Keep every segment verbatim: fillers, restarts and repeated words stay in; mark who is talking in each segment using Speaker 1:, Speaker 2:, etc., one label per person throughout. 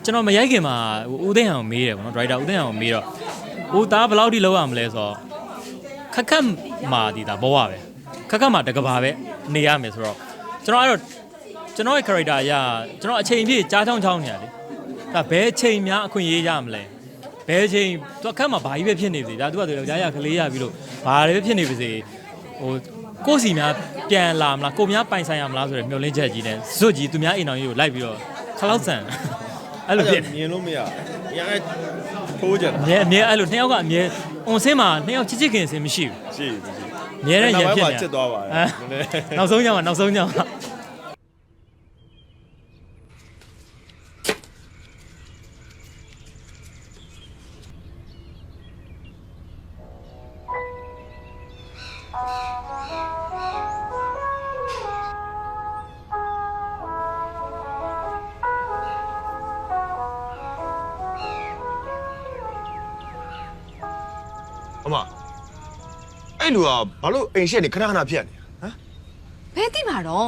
Speaker 1: ကျွန်တော်မရိုက်ခင်မှာဦးသိန်းအောင်မေးတယ်ပေါ့နော်ဒရိုက်တာဦးသိန်းအောင်မေးတော့ဦးသားဘယ်လောက်ထိလောက်ရမလဲဆိုတော့ခက်ခက်မာဒီတာဘောရပဲခက်ခက်မာတကဘာပဲနေရမယ်ဆိုတော့ကျွန်တော်အဲ့တော့ကျွန်တော်ရဲ့ character အရကျွန်တော်အချိန်ပြည့်ကြားချောင်းချောင်းနေရတယ်ဒါဘယ်ချိန်များအခွင့်အရေးရမလဲဘယ်ချိန်သူအခက်မှာဘာကြီးပဲဖြစ်နေပါစေဒါသူကသူယောက်ျားရကလေးရပြီးလို့ဘာတွေပဲဖြစ်နေပါစေဟိုကိုယ်စီများပြန်လာမလားကိုများပိုင်ဆိုင်ရမလားဆိုရယ်မျောလင်းချက်ကြီးနဲ့ဇွတ်ကြီးသူများအိမ်တော်ကြီးကိုလိုက်ပြီးတော့ခလောက်ဆန်အဲ့လိုဖြစ်
Speaker 2: မြင်လို့မရရန်ထိုးကြတာ
Speaker 1: အမြဲအမြဲအဲ့လိုနှစ်ယောက်ကအမြဲအွန်ဆင်းမှာနှစ်ယောက်ချစ်ချစ်ခင်စင်မရှိဘူး
Speaker 2: ရှိဘူးရှိ
Speaker 1: အမြဲတမ်းရဖြစ်နေ
Speaker 2: ချစ်သွားပါတယ်
Speaker 1: နောက်ဆုံးညမှာနောက်ဆုံးညမှာ
Speaker 2: အမအဲ့လူကဘာလို့အိမ်ရှက်နေခဏခဏဖြစ်နေဟမ်
Speaker 3: ဘယ်တိမှာတော့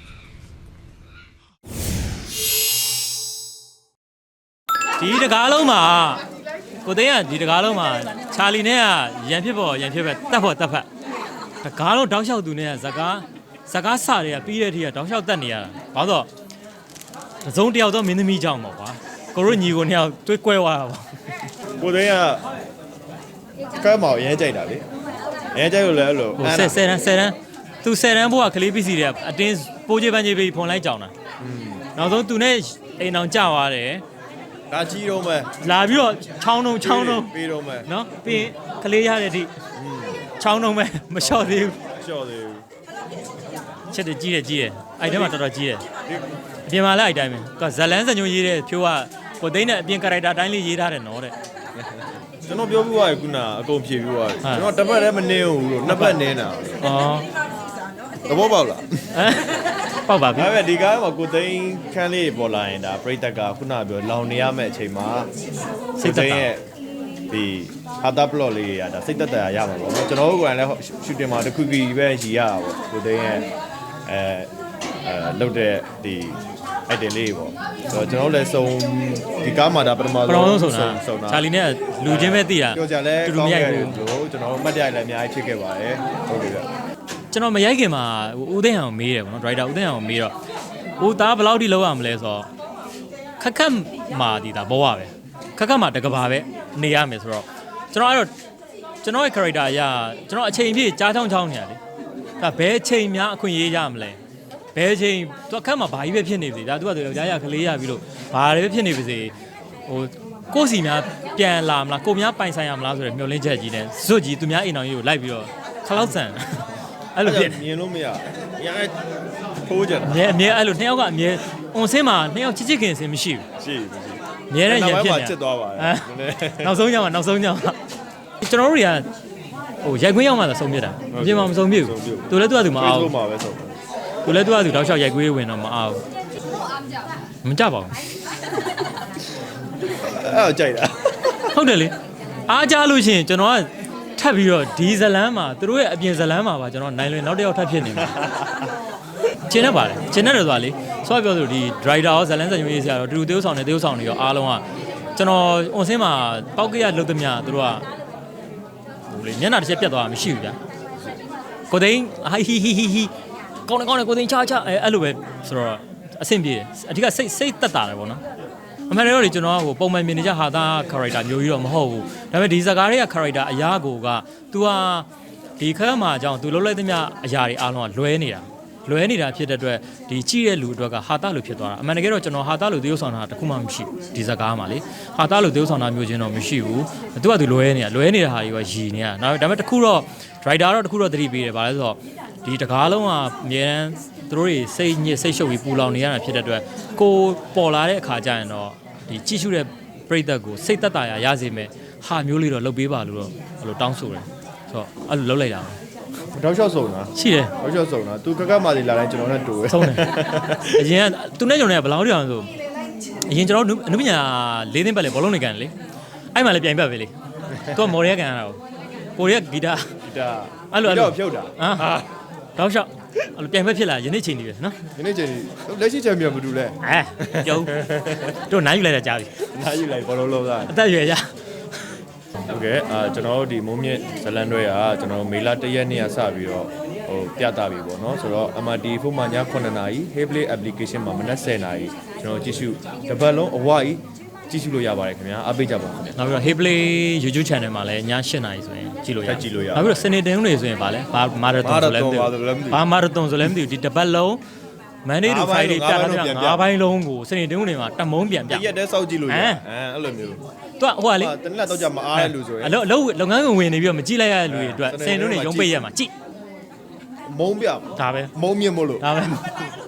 Speaker 1: ဒီတကားလုံးမှာကိုသိန်းကဒီတကားလုံးမှာချာလီနဲ့ကရန်ဖြစ်ပေါ်ရန်ဖြစ်ပဲတက်ဖို့တက်ဖက်တကားလုံးတောက်လျှောက်သူနဲ့ကဇကားဇကားစတွေကပြီးတဲ့အထိကတောက်လျှောက်တက်နေရတာဘာလို့ဆိုသုံးတယောက်တော့မင်းသမီးကြောင့်ပေါ့ကွာကိုတို့ညီကိုနှစ်ယောက်တွေးကွဲသွားတာပေါ့
Speaker 2: ကိုသိန်းကကဲမောင်ရဲကြိုက်တာလေရဲကြိုက်လို့လည်းအဲ့လို
Speaker 1: ဆယ်ဆယ်တန်းဆယ်တန်းသူဆယ်တန်းဘိုးကကလေးပစ္စည်းတွေကအတင်းပိုးချေပန်းချေပြီးဖွန်လိုက်ကြောင်တာနောက်ဆုံးသူနဲ့အိမ်အောင်ကြသွားတယ်
Speaker 2: ဒါကြီးတော့မယ်
Speaker 1: လာပြီးတော့ချောင်းတုံးချောင်းတုံး
Speaker 2: ပြီးတော့မယ်
Speaker 1: နော်ပြီးရင်ကလေးရတဲ့အထိချောင်းတုံးပဲမလျှော့သေးဘူး
Speaker 2: လျှော့သေးဘူး
Speaker 1: ချက်တကြီးတယ်ကြီးတယ်အဲ့ထဲမှာတော်တော်ကြီးတယ်အပြင်မှာလည်းအဲ့တိုင်းပဲကဇလန်းစညိုရေးတဲ့ဖြိုးကကိုသိန်းနဲ့အပြင်ကာရိုက်တာတိုင်းလေးရေးထားတယ်နော်တဲ့
Speaker 2: ကျွန်တော်ပြောပြသွားရခုနအကုန်ဖြေပြသွားတယ်ကျွန်တော်တစ်ပတ်တည်းမနင်းဘူးလို့နှစ်ပတ်နင်းတာ
Speaker 1: ဩ
Speaker 2: သဘောပေါက်လား
Speaker 1: ပေါက်ပါပြီ
Speaker 2: ဒါပေမဲ့ဒီကားမှာကိုသိန်းခန်းလေးပေါ်လာရင်ဒါပြိတ္တကခုနပြောလောင်နေရမယ့်အချိန်မှာစိတ်သက်ရဲ့ဒီဟာတာပလော့လေးရဒါစိတ်သက်သာရမှာပေါ့နော်ကျွန်တော်တို့ကလည်းရှူတင်မှာတစ်ခုကြီးပဲရည်ရတာပေါ့ကိုသိန်းရဲ့အဲအဲလုတ်တဲ့ဒီအဲ့တယ်လေးပေါ့ဆိုတော့ကျွန်တော်လည်းစုံဒီကားမှာဒါပထမ
Speaker 1: ဆုံးစုံတာချာလီနဲ့လူချင်းပဲသိတာ
Speaker 2: ပြောကြလဲကောင်းတယ်လို့ကျွန်တော်မှတ်တရလည်းအများကြီးဖြစ်ခဲ့ပါတယ်ဟုတ်ပြီဗျ
Speaker 1: ကျွန်တော်မရိုက်ခင်မှာဦးသိန်းအောင်မေးတယ်ပေါ့နော်ဒရိုက်တာဦးသိန်းအောင်မေးတော့ဦးသားဘယ်လောက်ထိလောက်ရမလဲဆိုတော့ခက်ခက်မာဒီတာဘောရပဲခက်ခက်မာတကဘာပဲနေရမယ်ဆိုတော့ကျွန်တော်အဲ့တော့ကျွန်တော်ရဲ့ character အရကျွန်တော်အချိန်ပြည့်ကြားချောင်းချောင်းနေရတယ်ဒါဘယ်ချိန်များအခွင့်အရေးရမလဲဘယ်ချိန်သူအခက်မှာဘာကြီးပဲဖြစ်နေပါစေဒါသူကသူယောက်ျားရကလေးရပြီးလို့ဘာတွေပဲဖြစ်နေပါစေဟိုကိုယ်စီများပြန်လာမလားကိုများပိုင်ဆိုင်ရမလားဆိုရယ်မျောလင်းချက်ကြီးနဲ့ဇွတ်ကြီးသူများအိမ်တော်ကြီးကိုလိုက်ပြီးတော့ခလောက်ဆန်အဲ့လိုဖြစ်
Speaker 2: မြင်လို့မရရန်ထိုးကြတာ
Speaker 1: အမြဲအမြဲအဲ့လိုနှစ်ယောက်ကအမြဲအွန်ဆင်းမှာနှစ်ယောက်ချစ်ချစ်ခင်စင်မရှိ
Speaker 2: ဘူးရှိဘူးရှိ
Speaker 1: အမြဲတမ်းရဖြစ်
Speaker 2: နေချစ်သွားပါတယ်
Speaker 1: နောက်ဆုံးညမှာနောက်ဆုံးညမှာကျွန်တော်တို့တွေကဟိုရိုက်ခွင်းရောက်မှသာဆုံးပြတာအပြင်မှာမဆုံးပြဘူးသူလည်းသူကသူမအောင်
Speaker 2: ဘူးမှာပဲဆုံး
Speaker 1: သူလည်းသူကသူတောက်လျှောက်ရိုက်ခွေးဝင်တော့မအောင်မကြပါဘူး
Speaker 2: အဲ့ကြိုက်တာ
Speaker 1: ဟုတ်တယ်လေအားကြလို့ရှိရင်ကျွန်တော်ကထပ်ပြီးတော့ဒီဇလန်းမှာသူတို့ရဲ့အပြင်ဇလန်းမှာပါကျွန်တော်နိုင်လွင်နောက်တစ်ယောက်ထပ်ဖြစ်နေမှာကျင်းနေပါတယ်ကျင်းနေတယ်ဆိုတာလေဆိုတော့ပြောသလိုဒီ driver ရောဇလန်းစံရွေးဆရာတော့တူတူသေုပ်ဆောင်နေသေုပ်ဆောင်နေရောအားလုံးကကျွန်တော်အွန်ဆင်းမှာပောက်ကရလုတ်သမျှသူတို့ကဟိုလေမျက်နှာတစ်ချက်ပြတ်သွားတာမရှိဘူးဗျာကိုသိန်းဟိဟိဟိဟိဟိကောင်းတယ်ကောင်းတယ်ကိုသိန်းချာချာအဲအဲ့လိုပဲဆိုတော့အဆင်ပြေတယ်အဓိကစိတ်စိတ်တက်တာတယ်ပေါ့နော်အမှန်တကယ်တော့ကျွန်တော်ကဟိုပုံမှန်မြင်နေကြဟာသား character မျိုးကြီးတော့မဟုတ်ဘူးဒါပေမဲ့ဒီဇာကားတွေက character အရာကိုက तू ဟာဒီခက်မှာအကြောင်း तू လုံးလိုက်သမျှအရာတွေအားလုံးကလွဲနေတာလွဲနေတာဖြစ်တဲ့အတွက်ဒီကြည့်တဲ့လူအတွက်ကဟာသားလိုဖြစ်သွားတာအမှန်တကယ်တော့ကျွန်တော်ဟာသားလိုသေုပ်ဆောင်တာတခုမှမရှိဘူးဒီဇာကားမှာလေဟာသားလိုသေုပ်ဆောင်တာမျိုးချင်းတော့မရှိဘူး तू က तू လွဲနေတာလွဲနေတဲ့ဟာတွေကရည်နေတာဒါပေမဲ့တခုတော့ driver တော့တခုတော့သတိပေးတယ်ဗါလဲဆိုတော့ဒီတကားလုံးကအမြဲတမ်းသူတို့တွေစိတ်ညစ်စိတ်ရှုပ်ပြီးပူလောင်နေရတာဖြစ်တဲ့အတွက်ကိုပေါ်လာတဲ့အခါကျရင်တော့ဒီကြည့်ရှုတဲ့ပရိသတ်ကိုစိတ်သက်သာရရစေမယ်ဟာမျိုးလေးတော့လုပ်ပေးပါလို့တော့အဲ့လိုတောင်းဆိုတယ်ဆိုတော့အဲ့လိုလုပ်လိုက်တာ
Speaker 2: တောက်လျှောက်စုံတာ
Speaker 1: ရှိတယ်
Speaker 2: တောက်လျှောက်စုံတာသူကကမာစီလာတိုင်းကျွန်တော်နဲ့တူပဲ
Speaker 1: ဆုံးတယ်အရင်ကသူနဲ့ကျွန်တော်နဲ့ဘယ်လောက်တောင်ဆိုအရင်ကျွန်တော်အနုပညာလေးသိန်းပတ်လေဘောလုံးနေကန်လေအဲ့မှလည်းပြိုင်ပတ်ပဲလေသူကမော်ရီယာကန်ရတာကိုကိုရီးယားဂီတာ
Speaker 2: ဂီတာ
Speaker 1: အဲ့လိုအဲ့လို
Speaker 2: ဖြုတ်တာ
Speaker 1: ဟာတောက်လျှောက်အဲ့လိုပြိုင်ပွဲဖြစ်လာယနေ့ချိန်ကြီးပဲနော်
Speaker 2: ဒီနေ့ချိန်လက်ရှိချန်ပီယံဘာတူလဲ
Speaker 1: အဲပြုံးတို့နိုင်ယူလိုက်တာကြားပြီ
Speaker 2: နားယူလိုက်ဘောလုံးလောကအ
Speaker 1: သက်ရွယ်ရ
Speaker 2: โอเคအာကျွန်တော်တို့ဒီမုံမြင့်ဇလန်တွေကကျွန်တော်မေလ၁ရက်နေ့ကစပြီးတော့ဟိုပြသပြီပေါ့နော်ဆိုတော့ M R T ဖုန်းမှာည9နာရီ Hayplay application မှာမနက်10နာရီကျွန်တော်ကြည့်ရှုတပတ်လုံးအဝကြီးကြည့်ရှုလို့ရပါတယ်ခင်ဗျာအားပေးကြပါဦးခင်ဗျာ
Speaker 1: နောက်ပြီးတော့ Hayplay YouTube channel မှာလည်းည၈နာရီဆိုရင်ကြည့်လို့ရ
Speaker 2: ကြည့်လို့ရ
Speaker 1: နောက်ပြီးတော့စနေတင်ဦးတွေဆိုရင်ဗာလဲဘာမာရသွန်ဆိုလဲမသိဘူးဘာမာရသွန်ဆိုလဲမသိဘူးဒီတစ်ပတ်လုံး Monday to Friday ပြတာပြ၅ဘိုင်းလုံးကိုစနေတင်ဦးတွေမှာတမုံပြန်ပြ
Speaker 2: ရက်တည်းစောက်ကြည့်လို့ရအဲအဲ့လိုမျိုး
Speaker 1: သူကဟိုကလေ
Speaker 2: တနက်တော့ကြမအားတဲ့လူဆိုရင်
Speaker 1: အလုပ်အလုပ်လုပ်ငန်းကဝင်နေပြီးတော့မကြည့်လိုက်ရတဲ့လူတွေအတွက်စနေတင်ဦးတွေရုံးပိတ်ရမှာကြည့်
Speaker 2: မုံပြ
Speaker 1: ဒါပဲ
Speaker 2: မုံမြင့်မို့လို့
Speaker 1: ဒါပဲ